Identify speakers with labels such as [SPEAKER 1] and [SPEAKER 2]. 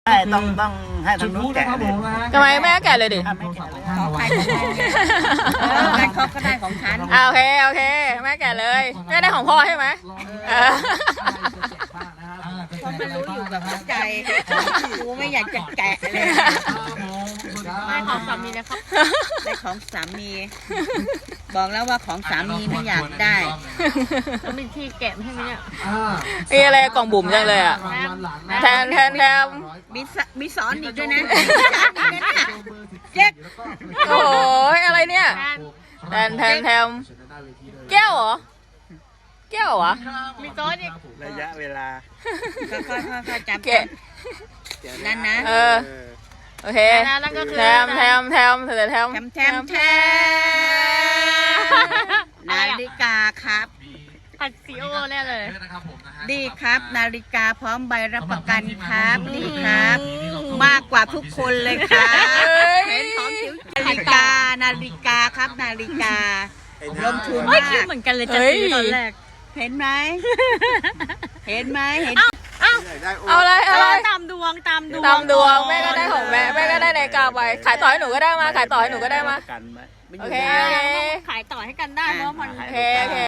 [SPEAKER 1] ใช่ต้องให้ทางนู้นแกะเลย
[SPEAKER 2] ทำไมแม่แกะเลยดิ
[SPEAKER 1] ไม่แกะเลย
[SPEAKER 3] ขอใครของแม่เขาก็ได้ของฉัน
[SPEAKER 2] โอเคแม่แกะเลยแม่ได้ของพ่อใช่ไหม
[SPEAKER 3] เพราะมันรู้อยู่กับหัวใจกูไม่อยากจะแกะเลย
[SPEAKER 4] ได้ของสามีนะครับ
[SPEAKER 3] ได้ของสามี บอกแล้วว่าของสามีไม่อยากได้
[SPEAKER 4] แล้วมีที่แกะให้ไหมเนี่ย
[SPEAKER 2] มีอะไรกล่องบุ๋มจังเลยอ่ะแทน
[SPEAKER 3] มีสอนอีกด้วยนะเจ๊ก
[SPEAKER 2] โอ้ยอะไรเนี่ยแทนแก้วเหรอแก้วเหรอ
[SPEAKER 4] มีโต๊ะอีก
[SPEAKER 1] ระยะเวลา
[SPEAKER 3] ค่อยๆจำ
[SPEAKER 2] แกะ
[SPEAKER 3] นั่นนะ
[SPEAKER 2] โอเค
[SPEAKER 4] นั่นก็คือ
[SPEAKER 2] แทม
[SPEAKER 3] แทมนาฬิกาครับ
[SPEAKER 4] ผัดซีโอแน่เลย
[SPEAKER 3] ดีครับนาฬิกาพร้อมใบรับประกันครับดีครับ มากกว่าทุกคนเลยครับเห็นของจิ๋วนาฬิกาครับนาฬิกาลงทุน
[SPEAKER 4] เฮ้
[SPEAKER 3] มาย
[SPEAKER 4] คิด
[SPEAKER 3] ก
[SPEAKER 4] เหมือนกันเลยจะซื้อตอนแรก
[SPEAKER 3] เห็นไหมเห็น
[SPEAKER 2] เอาอะไร
[SPEAKER 4] ตามดวง
[SPEAKER 2] ตามดวงแม่ก็ได้ของแม่ก็ได้นาฬิกาไปขายต่อให้หนูก็ได้มาขายต่อให้หนูก็ได้มา
[SPEAKER 1] กันไหม
[SPEAKER 2] โอเค
[SPEAKER 4] ขายต่อให้กันได้เพราะมัน
[SPEAKER 2] โอเค